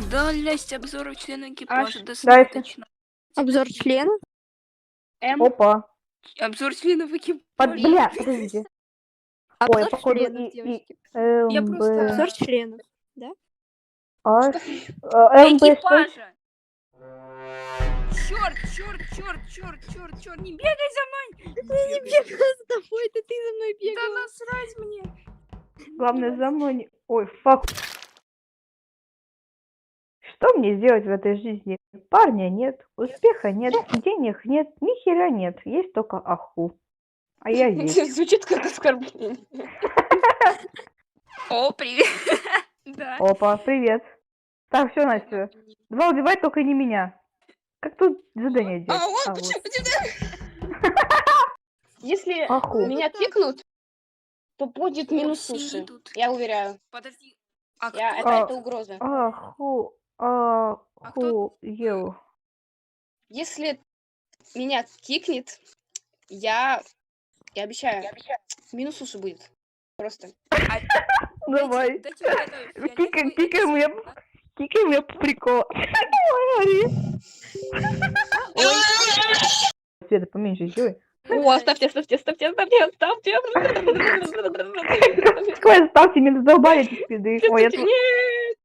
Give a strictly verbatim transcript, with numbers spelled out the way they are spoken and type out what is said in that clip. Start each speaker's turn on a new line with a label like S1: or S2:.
S1: Удалять обзор члена
S2: Аж,
S1: экипажа.
S2: дальше.
S1: Достаточно.
S3: Обзор члена?
S2: М.
S4: Опа.
S1: Обзор членов
S4: Под...
S1: экипажа.
S4: Бля, подождите. Ой,
S3: Обзор
S4: походу,
S3: членов,
S4: и, и,
S3: девочки.
S1: Я
S4: МБ...
S1: просто-
S3: Обзор членов.
S4: Аж... э, МБ, что?
S1: Экипажа! Черт, черт, черт, черт, черт, черт, не бегай за мной!
S3: Не бегала за тобой, это ты за мной
S1: Да
S3: бегала.
S1: насрать мне!
S4: Главное, за мной не... Ой, фак. Что мне сделать в этой жизни? Парня нет, успеха нет, денег нет, ни хера нет. Есть только аху. А я есть.
S2: Звучит как оскорбление.
S1: О, привет! Да.
S4: Опа, привет. Так, все, Настя. Два убивай, только не меня. Как тут задание делать?
S2: А, вот,
S4: А,
S2: почему
S4: вот.
S2: тебя? Если
S4: Аху.
S2: меня кикнут, то будет
S1: О,
S2: минус
S1: синий
S2: суши.
S1: тут.
S2: Я уверяю.
S1: Подожди. А
S2: Я,
S1: кто?
S2: это,
S4: А.
S2: это угроза.
S4: Аху.
S1: кто-
S4: Аху. Ел.
S2: Если меня кикнет, я, я обещаю, минус суши будет. Просто.
S4: Давай.
S1: Дайте- дайте вот это
S4: Кикай,
S1: фиолетовый
S4: кикай меня.
S1: эликсир, да?
S4: Кикай меня по приколу. Света, поменьше сделай.
S2: О, оставьте, оставьте, оставьте, оставьте, оставьте.
S4: Сколько ставьте, меня задолбали эти спиды. Ой, я тут...
S2: Нет.